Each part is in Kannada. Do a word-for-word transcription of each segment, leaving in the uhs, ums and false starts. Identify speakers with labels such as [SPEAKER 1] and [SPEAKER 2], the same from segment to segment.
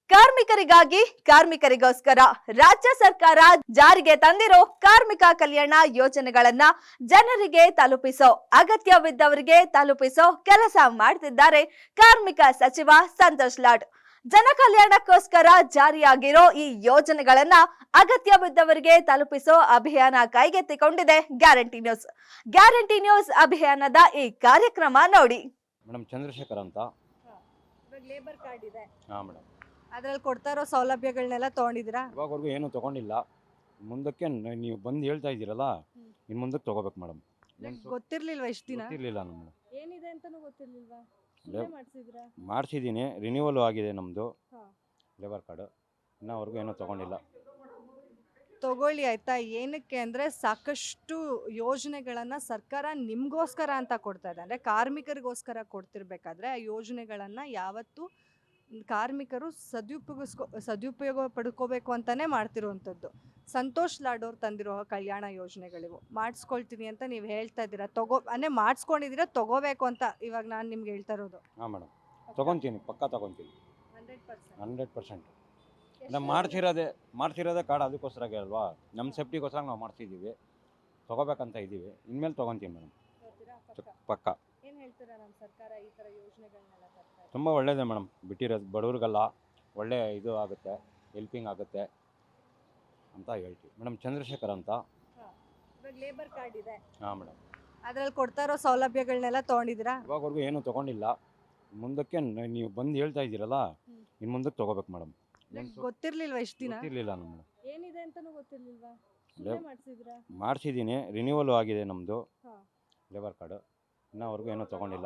[SPEAKER 1] ಕಾರ್ಮಿಕರಿಗಾಗಿ ಕಾರ್ಮಿಕರಿಗೋಸ್ಕರ ರಾಜ್ಯ ಸರ್ಕಾರ ಜಾರಿಗೆ ತಂದಿರೋ ಕಾರ್ಮಿಕ ಕಲ್ಯಾಣ ಯೋಜನೆಗಳನ್ನ ಜನರಿಗೆ ತಲುಪಿಸೋ ಅಗತ್ಯವಿದ್ದವರಿಗೆ ತಲುಪಿಸೋ ಕೆಲಸ ಮಾಡ್ತಿದ್ದಾರೆ ಕಾರ್ಮಿಕ ಸಚಿವ ಸಂತೋಷ್ ಲಾಡ್. ಜನ ಕಲ್ಯಾಣಕ್ಕೋಸ್ಕರ ಜಾರಿಯಾಗಿರೋ ಈ ಯೋಜನೆಗಳನ್ನ ಅಗತ್ಯವಿದ್ದವರಿಗೆ ತಲುಪಿಸೋ ಅಭಿಯಾನ ಕೈಗೆತ್ತಿಕೊಂಡಿದೆ ಗ್ಯಾರಂಟಿ ನ್ಯೂಸ್. ಗ್ಯಾರಂಟಿ ನ್ಯೂಸ್ ಅಭಿಯಾನದ ಈ ಕಾರ್ಯಕ್ರಮ ನೋಡಿ.
[SPEAKER 2] ಮೇಡಮ್ ಚಂದ್ರಶೇಖರ್ ಅಂತ.
[SPEAKER 1] ಲೇಬರ್ ಕಾರ್ಡ್ ಇದೆ.
[SPEAKER 2] ಹಾಂ ಮೇಡಮ್.
[SPEAKER 1] ಅದ್ರಲ್ಲಿ ಕೊಡ್ತಾ ಇರೋ ಸೌಲಭ್ಯಗಳನ್ನೆಲ್ಲ ತಗೊಂಡಿದ್ದೀರಾ?
[SPEAKER 2] ಇವಾಗವರೆಗೂ ಏನು ತೊಗೊಂಡಿಲ್ಲ. ಮುಂದಕ್ಕೆ ನ- ನೀವು ಬಂದು ಹೇಳ್ತಾ ಇದ್ದೀರಲ್ಲ, ಇನ್ನು ಮುಂದಕ್ಕೆ ತೊಗೋಬೇಕು ಮೇಡಮ್.
[SPEAKER 1] ಗೊತ್ತಿರ್ಲಿಲ್ವಾ ಇಷ್ಟು ದಿನ?
[SPEAKER 2] ಗೊತ್ತಿರಲಿಲ್ಲ ನಮ್ಮದು.
[SPEAKER 1] ಏನಿದೆ ಅಂತಾನೂ ಗೊತ್ತಿರ್ಲಿಲ್ವಾ? ಮಾಡಿಸಿದ್ರಾ?
[SPEAKER 2] ಮಾಡಿಸಿದ್ದೀನಿ, ರಿನ್ಯೂವಲ್ ಆಗಿದೆ ನಮ್ಮದು
[SPEAKER 1] ಹಾ.
[SPEAKER 2] Labour card. ಇನ್ನೂವರೆಗೂ ಏನೂ ತೊಗೊಂಡಿಲ್ಲ.
[SPEAKER 1] ತಗೊಳ್ಳಿ ಆಯ್ತಾ. ಏನಕ್ಕೆ ಅಂದ್ರೆ ಸಾಕಷ್ಟು ಯೋಜನೆಗಳನ್ನ ಸರ್ಕಾರ ನಿಮ್ಗೋಸ್ಕರ ಅಂತ ಕೊಡ್ತಾ ಇದೆ. ಅಂದ್ರೆ ಕಾರ್ಮಿಕರಿಗೋಸ್ಕರ ಕೊಡ್ತಿರ್ಬೇಕಾದ್ರೆ ಆ ಯೋಜನೆಗಳನ್ನ ಯಾವತ್ತು ಕಾರ್ಮಿಕರು ಸದುಪಯೋಗಿಸ್ಕೊ ಸದುಪಯೋಗ ಪಡ್ಕೋಬೇಕು ಅಂತಾನೆ ಮಾಡ್ತಿರುವಂಥದ್ದು. ಸಂತೋಷ್ ಲಾಡ್ ಅವ್ರು ತಂದಿರೋ ಕಲ್ಯಾಣ ಯೋಜನೆಗಳಿವು. ಮಾಡಿಸ್ಕೊಳ್ತೀನಿ ಅಂತ ನೀವು ಹೇಳ್ತಾ ಇದ್ದೀರಾ, ತಗೋ ಅಂದರೆ ಮಾಡಿಸ್ಕೊಂಡಿದ್ದೀರಾ, ತಗೋಬೇಕು ಅಂತ ಇವಾಗ ನಾನು ನಿಮ್ಗೆ ಹೇಳ್ತಾ ಇರೋದು.
[SPEAKER 2] ಹಾಂ ಮೇಡಮ್, ತೊಗೊತೀನಿ, ಪಕ್ಕ ತೊಗೊತೀನಿ,
[SPEAKER 1] ಹಂಡ್ರೆಡ್ ಪರ್ಸೆಂಟ್
[SPEAKER 2] ಹಂಡ್ರೆಡ್ ಪರ್ಸೆಂಟ್. ನಾವು ಮಾಡ್ಸಿರೋದೇ ಮಾಡ್ಸಿರೋದೇ ಕಾರ್ಡ್ ಅದಕ್ಕೋಸ್ಕರ ಅಲ್ವಾ, ನಮ್ಮ ಸೇಫ್ಟಿಗೋಸ್ಕರ ನಾವು ಮಾಡ್ತಿದ್ದೀವಿ, ತೊಗೋಬೇಕಂತ ಇದ್ದೀವಿ. ಇನ್ಮೇಲೆ ತೊಗೊತೀನಿ ಮೇಡಮ್, ಪಕ್ಕ.
[SPEAKER 1] ಏನು ಹೇಳ್ತೀರಾ ನಮ್ಮ ಸರ್ಕಾರ ಈ ಥರ ಯೋಜನೆಗಳನ್ನೆಲ್ಲ ತರ್ತಾ ಇದೆ?
[SPEAKER 2] ತುಂಬ ಒಳ್ಳೆಯದೇ ಮೇಡಮ್. ಬಿಟ್ಟಿರೋದು ಬಡವ್ರಿಗೆಲ್ಲ ಒಳ್ಳೆ ಇದು ಆಗುತ್ತೆ, ಹೆಲ್ಪಿಂಗ್ ಆಗುತ್ತೆ ಅಂತ ಹೇಳ್ತೀವಿ. ಮೇಡಮ್ ಚಂದ್ರಶೇಖರ್ ಅಂತ.
[SPEAKER 1] ಇವಾಗ ಲೇಬರ್ ಕಾರ್ಡ್ ಇದೆ.
[SPEAKER 2] ಹಾಂ ಮೇಡಮ್.
[SPEAKER 1] ಅದ್ರಲ್ಲಿ ಕೊಡ್ತಾ ಇರೋ ಸೌಲಭ್ಯಗಳನ್ನೆಲ್ಲ ತಗೊಂಡಿದ್ದೀರಾ?
[SPEAKER 2] ಇವಾಗವರೆಗೂ ಏನೂ ತೊಗೊಂಡಿಲ್ಲ. ಮುಂದಕ್ಕೆ ನ- ನೀವು ಬಂದು ಹೇಳ್ತಾ ಇದ್ದೀರಲ್ಲ, ಇನ್ನು ಮುಂದಕ್ಕೆ ತೊಗೋಬೇಕು ಮೇಡಮ್.
[SPEAKER 1] ಗೊತ್ತಿರ್ಲಿಲ್ವಾ ಇಷ್ಟು ದಿನ?
[SPEAKER 2] ಗೊತ್ತಿರಲಿಲ್ಲ ನಮ್ಮದು.
[SPEAKER 1] ಏನಿದೆ ಅಂತಾನೂ ಗೊತ್ತಿರ್ಲಿಲ್ವಾ? ಮಾಡಿಸಿದ್ರಾ?
[SPEAKER 2] ಮಾಡಿಸಿದ್ದೀನಿ, ರಿನ್ಯೂವಲ್ ಆಗಿದೆ ನಮ್ಮದು
[SPEAKER 1] ಹಾ.
[SPEAKER 2] Labour card. ಇನ್ನೂವರೆಗೂ ಏನೂ ತೊಗೊಂಡಿಲ್ಲ.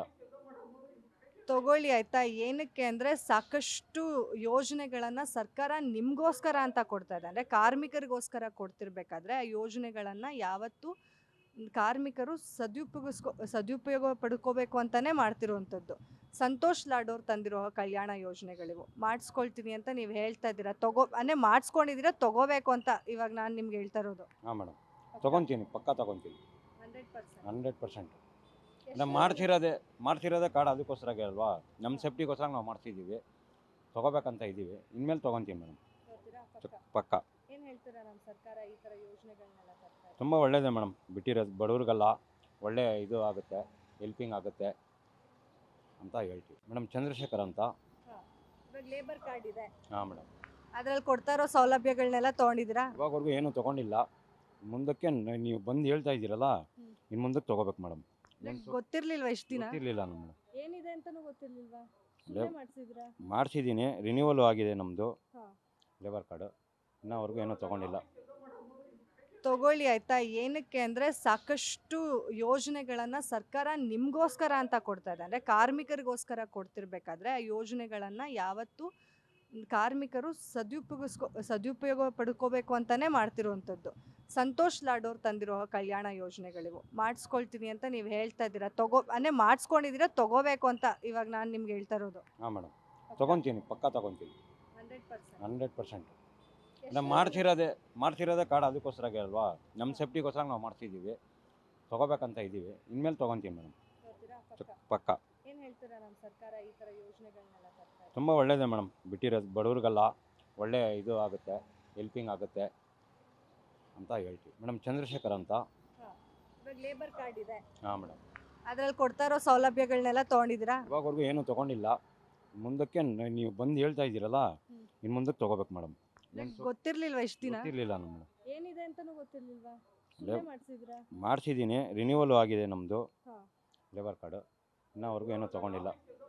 [SPEAKER 1] ತಗೊಳ್ಳಿ ಆಯ್ತಾ. ಏನಕ್ಕೆ ಅಂದ್ರೆ ಸಾಕಷ್ಟು ಯೋಜನೆಗಳನ್ನ ಸರ್ಕಾರ ನಿಮ್ಗೋಸ್ಕರ ಅಂತ ಕೊಡ್ತಾ ಇದೆ. ಅಂದ್ರೆ ಕಾರ್ಮಿಕರಿಗೋಸ್ಕರ ಕೊಡ್ತಿರ್ಬೇಕಾದ್ರೆ ಆ ಯೋಜನೆಗಳನ್ನ ಯಾವತ್ತು ಕಾರ್ಮಿಕರು ಸದುಪಯೋಗಿಸ್ಕೊ ಸದುಪಯೋಗ ಪಡ್ಕೋಬೇಕು ಅಂತಾನೆ ಮಾಡ್ತಿರುವಂಥದ್ದು. ಸಂತೋಷ್ ಲಾಡ್ ಅವ್ರು ತಂದಿರೋ ಕಲ್ಯಾಣ ಯೋಜನೆಗಳಿವು. ಮಾಡಿಸ್ಕೊಳ್ತೀನಿ ಅಂತ ನೀವು ಹೇಳ್ತಾ ಇದ್ದೀರಾ, ತಗೋ ಅಂದರೆ ಮಾಡಿಸ್ಕೊಂಡಿದ್ದೀರಾ, ತಗೋಬೇಕು ಅಂತ ಇವಾಗ ನಾನು ನಿಮ್ಗೆ ಹೇಳ್ತಾ ಇರೋದು.
[SPEAKER 2] ಹಾಂ ಮೇಡಮ್, ತೊಗೊತೀನಿ, ಪಕ್ಕ ತೊಗೊತೀನಿ,
[SPEAKER 1] ಹಂಡ್ರೆಡ್ ಪರ್ಸೆಂಟ್
[SPEAKER 2] ಹಂಡ್ರೆಡ್ ಪರ್ಸೆಂಟ್. ನಾವು ಮಾಡ್ಸಿರೋದೇ ಮಾಡ್ಸಿರೋದೇ ಕಾರ್ಡ್ ಅದಕ್ಕೋಸ್ಕರ ಅಲ್ವಾ, ನಮ್ಮ ಸೇಫ್ಟಿಗೋಸ್ಕರ ನಾವು ಮಾಡ್ತಿದ್ದೀವಿ, ತೊಗೋಬೇಕಂತ ಇದ್ದೀವಿ. ಇನ್ಮೇಲೆ ತೊಗೊತೀನಿ ಮೇಡಮ್, ಪಕ್ಕ.
[SPEAKER 1] ಏನು ಹೇಳ್ತೀರಾ ನಮ್ಮ ಸರ್ಕಾರ ಈ ಥರ ಯೋಜನೆಗಳನ್ನೆಲ್ಲ ತರ್ತಾ ಇದೆ?
[SPEAKER 2] ತುಂಬ ಒಳ್ಳೆಯದೇ ಮೇಡಮ್. ಬಿಟ್ಟಿರೋದು ಬಡವ್ರಿಗೆಲ್ಲ ಒಳ್ಳೆ ಇದು ಆಗುತ್ತೆ, ಹೆಲ್ಪಿಂಗ್ ಆಗುತ್ತೆ ಅಂತ ಹೇಳ್ತೀವಿ. ಮೇಡಮ್ ಚಂದ್ರಶೇಖರ್ ಅಂತ.
[SPEAKER 1] ಇವಾಗ ಲೇಬರ್ ಕಾರ್ಡ್ ಇದೆ.
[SPEAKER 2] ಹಾಂ ಮೇಡಮ್.
[SPEAKER 1] ಅದ್ರಲ್ಲಿ ಕೊಡ್ತಾ ಇರೋ ಸೌಲಭ್ಯಗಳನ್ನೆಲ್ಲ ತಗೊಂಡಿದ್ದೀರಾ?
[SPEAKER 2] ಇವಾಗವರೆಗೂ ಏನೂ ತೊಗೊಂಡಿಲ್ಲ. ಮುಂದಕ್ಕೆ ನ- ನೀವು ಬಂದು ಹೇಳ್ತಾ ಇದ್ದೀರಲ್ಲ, ಇನ್ನು ಮುಂದಕ್ಕೆ ತೊಗೋಬೇಕು ಮೇಡಮ್.
[SPEAKER 1] ಗೊತ್ತಿರ್ಲಿಲ್ವಾ ಇಷ್ಟು ದಿನ?
[SPEAKER 2] ಗೊತ್ತಿರಲಿಲ್ಲ ನಮ್ಮದು.
[SPEAKER 1] ಏನಿದೆ ಅಂತಾನೂ ಗೊತ್ತಿರ್ಲಿಲ್ವಾ? ಮಾಡಿಸಿದ್ರಾ?
[SPEAKER 2] ಮಾಡಿಸಿದ್ದೀನಿ, ರಿನ್ಯೂವಲ್ ಆಗಿದೆ ನಮ್ಮದು
[SPEAKER 1] ಹಾ.
[SPEAKER 2] Labour card. ಇನ್ನೂವರೆಗೂ ಏನೂ ತೊಗೊಂಡಿಲ್ಲ.
[SPEAKER 1] ತಗೊಳ್ಳಿ ಆಯ್ತಾ. ಏನಕ್ಕೆ ಅಂದ್ರೆ ಸಾಕಷ್ಟು ಯೋಜನೆಗಳನ್ನ ಸರ್ಕಾರ ನಿಮ್ಗೋಸ್ಕರ ಅಂತ ಕೊಡ್ತಾ ಇದೆ. ಅಂದ್ರೆ ಕಾರ್ಮಿಕರಿಗೋಸ್ಕರ ಕೊಡ್ತಿರ್ಬೇಕಾದ್ರೆ ಆ ಯೋಜನೆಗಳನ್ನ ಯಾವತ್ತು ಕಾರ್ಮಿಕರು ಸದುಪಯೋಗಿಸ್ಕೊ ಸದುಪಯೋಗ ಪಡ್ಕೋಬೇಕು ಅಂತಾನೆ ಮಾಡ್ತಿರುವಂಥದ್ದು. ಸಂತೋಷ್ ಲಾಡ್ ಅವ್ರು ತಂದಿರೋ ಕಲ್ಯಾಣ ಯೋಜನೆಗಳಿವು. ಮಾಡಿಸ್ಕೊಳ್ತೀನಿ ಅಂತ ನೀವು ಹೇಳ್ತಾ ಇದ್ದೀರಾ, ತಗೋ ಅಂದರೆ ಮಾಡಿಸ್ಕೊಂಡಿದ್ದೀರಾ, ತಗೋಬೇಕು ಅಂತ ಇವಾಗ ನಾನು ನಿಮ್ಗೆ ಹೇಳ್ತಾ ಇರೋದು.
[SPEAKER 2] ಹಾಂ ಮೇಡಮ್, ತೊಗೊತೀನಿ, ಪಕ್ಕ ತೊಗೊತೀನಿ,
[SPEAKER 1] ಹಂಡ್ರೆಡ್ ಪರ್ಸೆಂಟ್
[SPEAKER 2] ಹಂಡ್ರೆಡ್ ಪರ್ಸೆಂಟ್. ನಾವು ಮಾಡ್ಸಿರೋದೇ ಮಾಡ್ಸಿರೋದೇ ಕಾರ್ಡ್ ಅದಕ್ಕೋಸ್ಕರ ಅಲ್ವಾ, ನಮ್ಮ ಸೇಫ್ಟಿಗೋಸ್ಕರ ನಾವು ಮಾಡ್ತಿದ್ದೀವಿ, ತೊಗೋಬೇಕಂತ ಇದ್ದೀವಿ. ಇನ್ಮೇಲೆ ತೊಗೊತೀನಿ ಮೇಡಮ್, ಪಕ್ಕ.
[SPEAKER 1] ಏನು ಹೇಳ್ತೀರಾ ನಮ್ಮ ಸರ್ಕಾರ ಈ ಥರ ಯೋಜನೆಗಳನ್ನೆಲ್ಲ ತರ್ತಾ ಇದೆ?
[SPEAKER 2] ತುಂಬ ಒಳ್ಳೆಯದೇ ಮೇಡಮ್. ಬಿಟ್ಟಿರೋದು ಬಡವ್ರಿಗೆಲ್ಲ ಒಳ್ಳೆ ಇದು ಆಗುತ್ತೆ, ಹೆಲ್ಪಿಂಗ್ ಆಗುತ್ತೆ ಅಂತ ಹೇಳ್ತೀವಿ. ಮೇಡಮ್ ಚಂದ್ರಶೇಖರ್ ಅಂತ.
[SPEAKER 1] ಇವಾಗ ಲೇಬರ್ ಕಾರ್ಡ್ ಇದೆ.
[SPEAKER 2] ಹಾಂ ಮೇಡಮ್.
[SPEAKER 1] ಅದ್ರಲ್ಲಿ ಕೊಡ್ತಾ ಇರೋ ಸೌಲಭ್ಯಗಳನ್ನೆಲ್ಲ ತಗೊಂಡಿದ್ದೀರಾ?
[SPEAKER 2] ಇವಾಗವರೆಗೂ ಏನೂ ತೊಗೊಂಡಿಲ್ಲ. ಮುಂದಕ್ಕೆ ನ- ನೀವು ಬಂದು ಹೇಳ್ತಾ ಇದ್ದೀರಲ್ಲ, ಇನ್ನು ಮುಂದಕ್ಕೆ ತೊಗೋಬೇಕು ಮೇಡಮ್.
[SPEAKER 1] ಗೊತ್ತಿರ್ಲಿಲ್ವಾ ಇಷ್ಟು ದಿನ?
[SPEAKER 2] ಗೊತ್ತಿರಲಿಲ್ಲ ನಮ್ಮದು.
[SPEAKER 1] ಏನಿದೆ ಅಂತಾನೂ ಗೊತ್ತಿರ್ಲಿಲ್ವಾ? ಮಾಡಿಸಿದ್ರಾ?
[SPEAKER 2] ಮಾಡಿಸಿದ್ದೀನಿ, ರಿನ್ಯೂವಲ್ ಆಗಿದೆ ನಮ್ಮದು
[SPEAKER 1] ಹಾ.
[SPEAKER 2] Labour card. ಇನ್ನೂವರೆಗೂ ಏನೂ ತೊಗೊಂಡಿಲ್ಲ.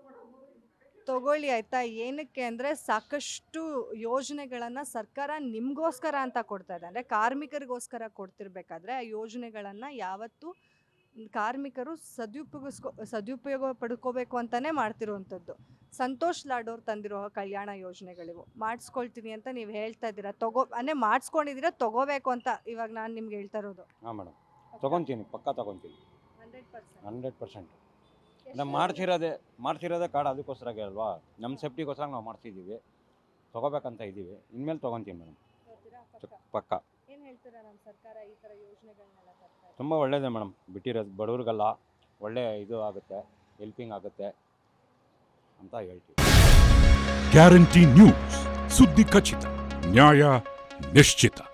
[SPEAKER 1] ತಗೊಳ್ಳಿ ಆಯ್ತಾ. ಏನಕ್ಕೆ ಅಂದ್ರೆ ಸಾಕಷ್ಟು ಯೋಜನೆಗಳನ್ನ ಸರ್ಕಾರ ನಿಮ್ಗೋಸ್ಕರ ಅಂತ ಕೊಡ್ತಾ ಇದೆ. ಅಂದ್ರೆ ಕಾರ್ಮಿಕರಿಗೋಸ್ಕರ ಕೊಡ್ತಿರ್ಬೇಕಾದ್ರೆ ಆ ಯೋಜನೆಗಳನ್ನ ಯಾವತ್ತು ಕಾರ್ಮಿಕರು ಸದುಪಯೋಗಿಸ್ಕೊ ಸದುಪಯೋಗ ಪಡ್ಕೋಬೇಕು ಅಂತಾನೆ ಮಾಡ್ತಿರುವಂಥದ್ದು. ಸಂತೋಷ್ ಲಾಡ್ ಅವ್ರು ತಂದಿರೋ ಕಲ್ಯಾಣ ಯೋಜನೆಗಳಿವು. ಮಾಡಿಸ್ಕೊಳ್ತೀನಿ ಅಂತ ನೀವು ಹೇಳ್ತಾ ಇದ್ದೀರಾ, ತಗೋ ಅಂದರೆ ಮಾಡಿಸ್ಕೊಂಡಿದ್ದೀರಾ, ತಗೋಬೇಕು ಅಂತ ಇವಾಗ ನಾನು ನಿಮ್ಗೆ ಹೇಳ್ತಾ ಇರೋದು.
[SPEAKER 2] ಹಾಂ ಮೇಡಮ್, ತೊಗೊತೀನಿ, ಪಕ್ಕ ತೊಗೊತೀನಿ,
[SPEAKER 1] ಹಂಡ್ರೆಡ್ ಪರ್ಸೆಂಟ್
[SPEAKER 2] ಹಂಡ್ರೆಡ್ ಪರ್ಸೆಂಟ್. ನಾವು ಮಾಡ್ಸಿರೋದೇ ಮಾಡ್ಸಿರೋದೇ ಕಾರ್ಡ್ ಅದಕ್ಕೋಸ್ಕರ ಅಲ್ವಾ, ನಮ್ಮ ಸೇಫ್ಟಿಗೋಸ್ಕರ ನಾವು ಮಾಡ್ತಿದ್ದೀವಿ, ತೊಗೋಬೇಕಂತ ಇದ್ದೀವಿ. ಇನ್ಮೇಲೆ ತೊಗೊತೀನಿ ಮೇಡಮ್, ಪಕ್ಕ.
[SPEAKER 1] ಏನು ಹೇಳ್ತೀರಾ ನಮ್ಮ ಸರ್ಕಾರ ಈ ಥರ ಯೋಜನೆಗಳನ್ನೆಲ್ಲ ತರ್ತಾ ಇದೆ?
[SPEAKER 2] ತುಂಬ ಒಳ್ಳೆಯದೇ ಮೇಡಮ್. ಬಿಟ್ಟಿರೋದು ಬಡವ್ರಿಗೆಲ್ಲ ಒಳ್ಳೆ ಇದು ಆಗುತ್ತೆ, ಹೆಲ್ಪಿಂಗ್ ಆಗುತ್ತೆ ಅಂತ ಹೇಳ್ತೀವಿ.
[SPEAKER 3] ಗ್ಯಾರಂಟಿ ನ್ಯೂಸ್ ಸುದ್ದಿ ಖಚಿತ, ನ್ಯಾಯ ನಿಶ್ಚಿತ.